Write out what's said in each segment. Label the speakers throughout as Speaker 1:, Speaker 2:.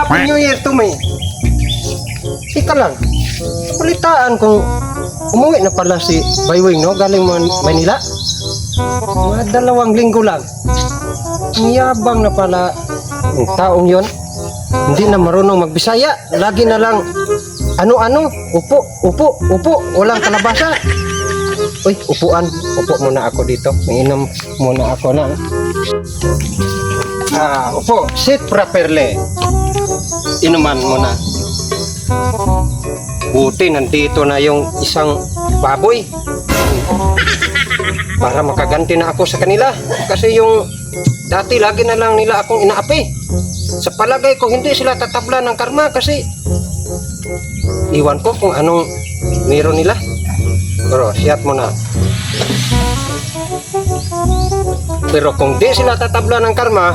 Speaker 1: Happy New Year to me. Ika lang. Balitaan kung umuwi na pala si Baywing, no? Galing Manila. Mga 2 linggo lang. Ang yabang na pala ang taong yon. Hindi na marunong magbisaya. Lagi na lang ano-ano. Upo, upo, upo. Walang kalabasa. Uy, upuan. Upo muna ako dito. Mainam muna ako na. Upo. Sit properly. Inuman muna. Buti nandito na yung isang baboy. Para makaganti na ako sa kanila. Kasi yung dati lagi na lang nila akong inaapi. Sa palagay ko hindi sila tatabla ng karma kasi iwan ko kung anong meron nila. Pero siyat mo na. Pero kung di sila tatabla ng karma,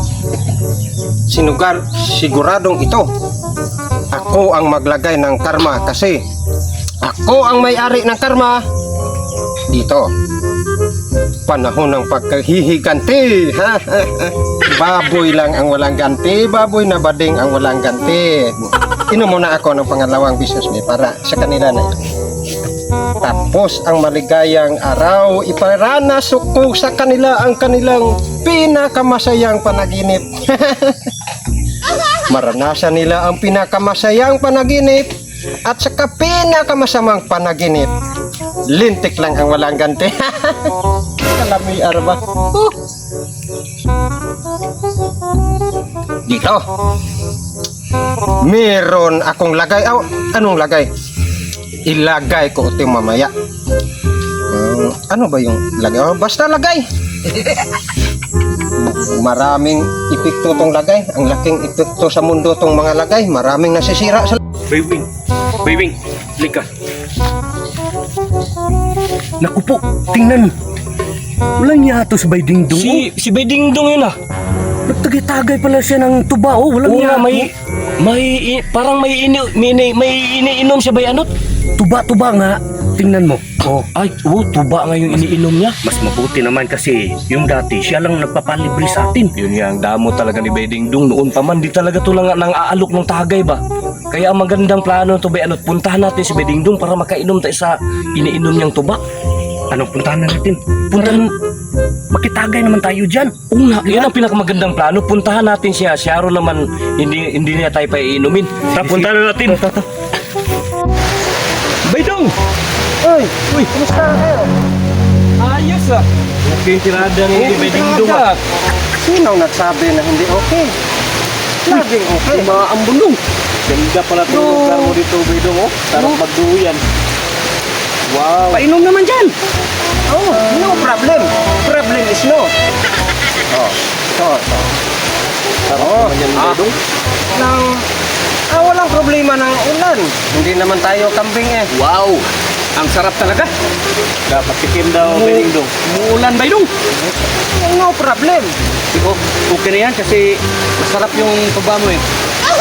Speaker 1: siguradong ito. Ako ang maglagay ng karma kasi ako ang may-ari ng karma dito. Panahon ng pagkahihiganti. Baboy lang ang walang ganti. Baboy na bading ang walang ganti. Inom muna ako ng pangalawang business day para sa kanila na ito. Tapos ang maligayang araw, iparanas ko sa kanila ang kanilang pinakamasayang panaginip. Maranasan nila ang pinakamasayang panaginip at saka pinakamasamang panaginip. Lintik lang ang walang ganti. Kalami arba. Dito. Meron akong lagay. Anong lagay? Ilagay ko ito mamaya. Ano ba yung lagay? Basta lagay. Maraming epekto tong lagay. Ang laking epekto sa mundo tong mga lagay. Maraming nasisira sa...
Speaker 2: Baywing, lika. Naku po, tingnan. Walang yato sa Baydingdong. Si Baydingdong yun ah. Nagtagay-tagay pala siya ng tuba oh. Walang yato. Parang may iniinom siya bay anot. Tuba nga. Tingnan mo. Tuba nga yung iniinom niya. Mas mabuti naman kasi yung dati siya lang nagpapalibre sa atin. Yun nga ang damo talaga ni Baydingdong noon pa man. Di talaga to lang nang aalok ng tagay ba. Kaya ang magandang plano to bay anot. Puntahan natin si Baydingdong para makainom tayo sa iniinom niyang tuba. Anong puntahan na natin? Makitagay naman tayo dyan. Oo nga, yan ang pinakamagandang plano. Puntahan natin siya. Siya ro naman, hindi niya tayo pa iinumin. Puntahan na natin. Baydong!
Speaker 1: Uy, kumusta kayo?
Speaker 2: Ayos ah. Okay yung tirada ni Baydingdong ah.
Speaker 1: Sino nagsabi na hindi okay? Laging okay.
Speaker 2: Maambulong. Ganda pala ito lugar mo dito, Baydong oh. Sarap magduyan. Wow.
Speaker 1: Painom naman dyan. No problem. Problem is no.
Speaker 2: Sarap naman yan, Baydong.
Speaker 1: Walang problema ng ulan. Hindi naman tayo kambing eh.
Speaker 2: Wow. Ang sarap talaga. Dapat tikim daw, Baydingdong. Umuulan, Baydong.
Speaker 1: No problem.
Speaker 2: Okay na yan kasi masarap yung tuba mo eh.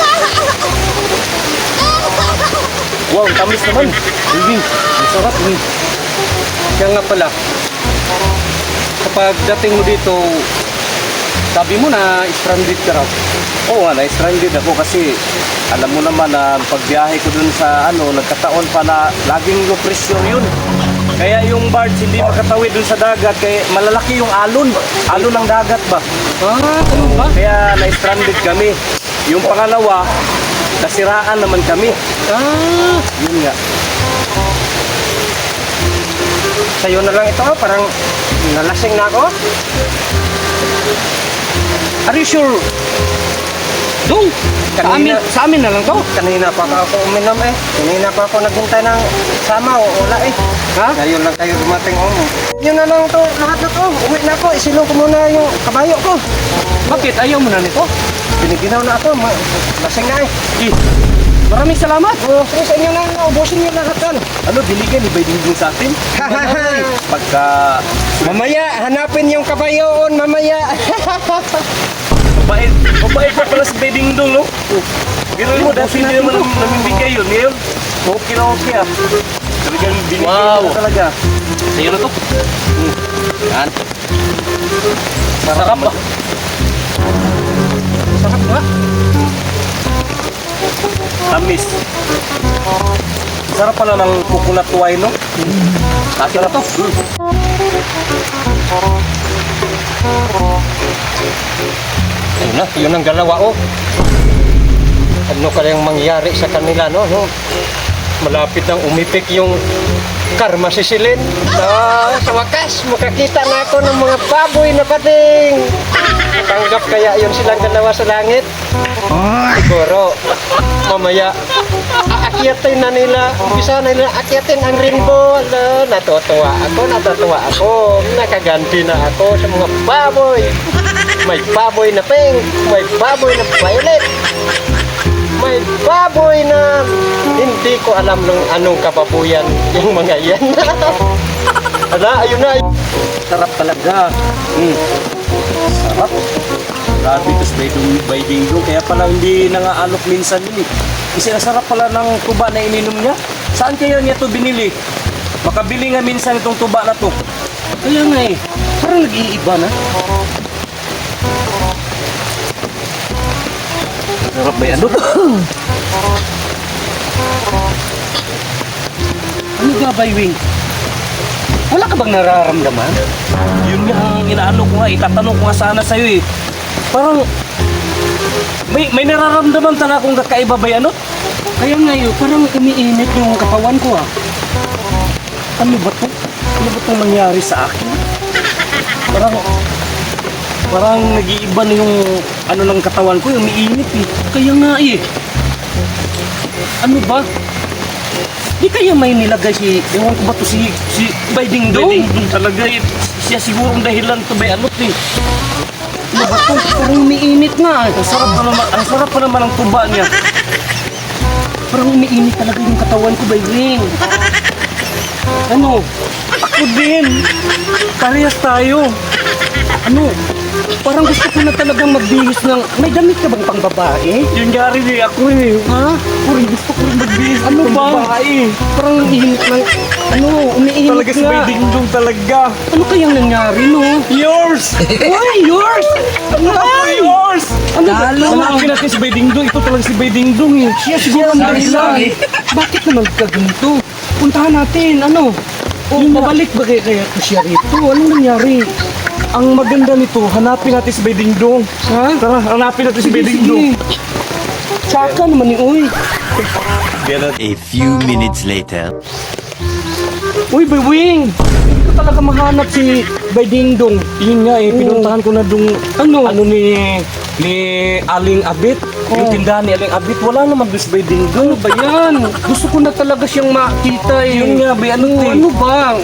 Speaker 2: Wow, tamis naman. Masarap.
Speaker 1: Kaya nga pala, kapag dating mo dito, sabi mo na stranded ka raw.
Speaker 2: Oo, na-stranded ako kasi alam mo naman na pagbiyahe ko dun sa nagkataon pa na laging low pressure yun. Kaya yung barge hindi makatawid dun sa dagat kaya malalaki yung alon. Alon ng dagat ba?
Speaker 1: Ano ba?
Speaker 2: Kaya na-stranded kami. Yung pangalawa, nasiraan naman kami. Yun nga.
Speaker 1: Sa'yo na lang ito, parang nalasing na ako.
Speaker 2: Are you sure? Dong, sa amin na lang to.
Speaker 1: Kanina pa ako uminom eh. Kanina pa ako naghintay ng sama o wala eh.
Speaker 2: Ha?
Speaker 1: Ngayon lang tayo dumating Yun na lang to, lahat na to. Uwi na ako, isilong ko muna yung kabayo ko.
Speaker 2: Bakit? Ayaw mo na nito?
Speaker 1: Biniginaw na ako, lasing na eh.
Speaker 2: Maraming salamat.
Speaker 1: Sige sa inyo na, ubusin nyo lahat yan.
Speaker 2: Binigyan ni Baydingdong sa atin? Pagka...
Speaker 1: Mamaya, hanapin yung kabayoon, mamaya.
Speaker 2: Mabait pa pala si Baydingdong, no? Pero mo, dati hindi naman namimigay yun. Ngayon, okay na okay ah. Talagang binigay mo talaga. Sa'yo na to. Yan. Masarap ba?
Speaker 1: Sarap ba?
Speaker 2: Matamis. Sarap pala ng coconut wine, no? Akin na to.
Speaker 1: Ayun na, yun ang dalawa, oh. Ano kayang mangyari sa kanila, no? Malapit nang umipik yung karma si Silin. Sa wakas, makakita na ako ng mga baboy na pating. Tanggap kaya yun silang dalawa sa langit? Siguro, mamaya, aakyatin na nila. Umpisa na nila akyatin ang rainbow. Natutuwa ako. Nakaganti na ako sa mga baboy. May baboy na pink, may baboy na violet. May baboy na hindi ko alam nung anong kababuyan yung mga yan. Ayun na.
Speaker 2: Sarap talaga. Sarap. Grabe, tapos by dingdong. Kaya pala hindi nangaalok minsan yun eh. Kasi ang sarap pala ng tuba na ininom niya. Saan kaya niya to binili? Makabili nga minsan itong tuba na to. Kaya nga eh. Parang nag-iiba na. Sarap ba yan? Ano ba, Baywing? Wala ka bang nararamdaman? Yun nga ang inaano ko nga, itatanong ko nga sana sa'yo eh. Parang, may nararamdaman talaga akong kakaiba ba yan, no? Kaya nga yun, parang umiinit yung katawan ko ah. Ano ba to? Ano ba itong nangyari sa akin? Parang nag-iiba na yung ano ng katawan ko, yung umiinit eh. Kaya nga eh. Ano ba? Di kaya may nilagay si, ewan ko ba to si Bayding Dong? Bayding Dong talaga eh. Siya sigurong dahilan to ba ano eh. Ano ba to? Parang umiinit nga eh. Ang sarap pa naman ang tuba niya. Parang umiinit talaga yung katawan ko, Bayding. Ano? Ako din. Parehas tayo. Ano? Parang gusto ko na talagang magbihis ng... May damit ka bang pang babae? Yun nga rin eh, ako eh. Ha? Parang gusto ko rin magbihis ano ng pang babae. Parang umiinit ng... Ano? Umiinit talaga nga. Talaga si Dingdong talaga. Ano kayang nangyari, no? Yours! Why yours? Ano ba yours? Ano ba? Hanapin natin si Dingdong. Ito talaga si Dingdong eh. Siya siguro ang dahilan. Bakit naman ka ganito? Puntahan natin, ano? O mabalik ba kaya ko siya rito? Anong nangyari? Ang maganda nito, hanapin natin si Dingdong. Ha? Tara, hanapin natin si Dingdong. Tsaka naman ni Uy.
Speaker 3: A few minutes later.
Speaker 2: Uy, Baywing! Hindi ko talaga mahanap si Dingdong. Yun nga eh, pinuntahan ko na dung... Ano ni Aling Abit. Yung tindahan ni Aling Abit, wala naman doon si Dingdong. Ano ba yan? Gusto ko na talaga siyang makita eh. Yun nga, ano bang?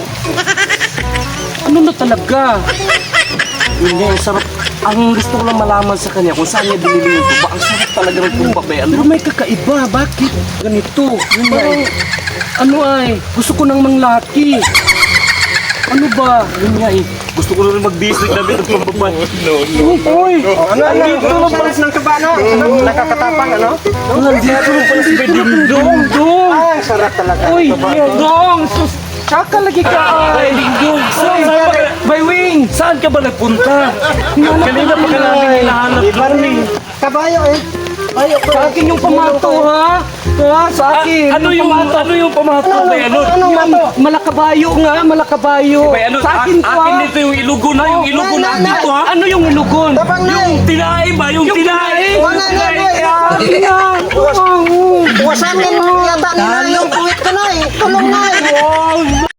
Speaker 2: Ano na talaga? Yun nga, sarap. Ang gusto ko lang malaman sa kanya kung saan niya binili yung tuba. Ang sarap talaga ng tuba, ba? Pero may kakaiba. Bakit? Ganito. Yun parang, gusto ko nang manglaki. Ano ba? Yun nga eh. Gusto ko na rin mag-business na rin ng pambabae. Uy!
Speaker 1: Ano? Salis ng tuba, no? Nakakatapang, ano?
Speaker 2: Nandito rin pala si Dingdong.
Speaker 1: Sarap talaga.
Speaker 2: Uy! Dong! Tsaka lagi ka ay! Dingdong! Baywing! Saan ka ba nagpunta? Kanina pa ka namin hinahanap doon eh.
Speaker 1: Kabayo eh.
Speaker 2: Sa akin yung pamato ha? Ha? Sa akin. Ano yung pamato ba yan? Malakabayo nga, malakabayo. Sa akin ko ha? Akin dito yung ilugon ha? Yung ilugon na dito ha? Ano yung ilugon? Yung tinae ba? Yung tinae?
Speaker 1: Wasakin mo yata nila yung puwit ka na eh. Tulong na eh.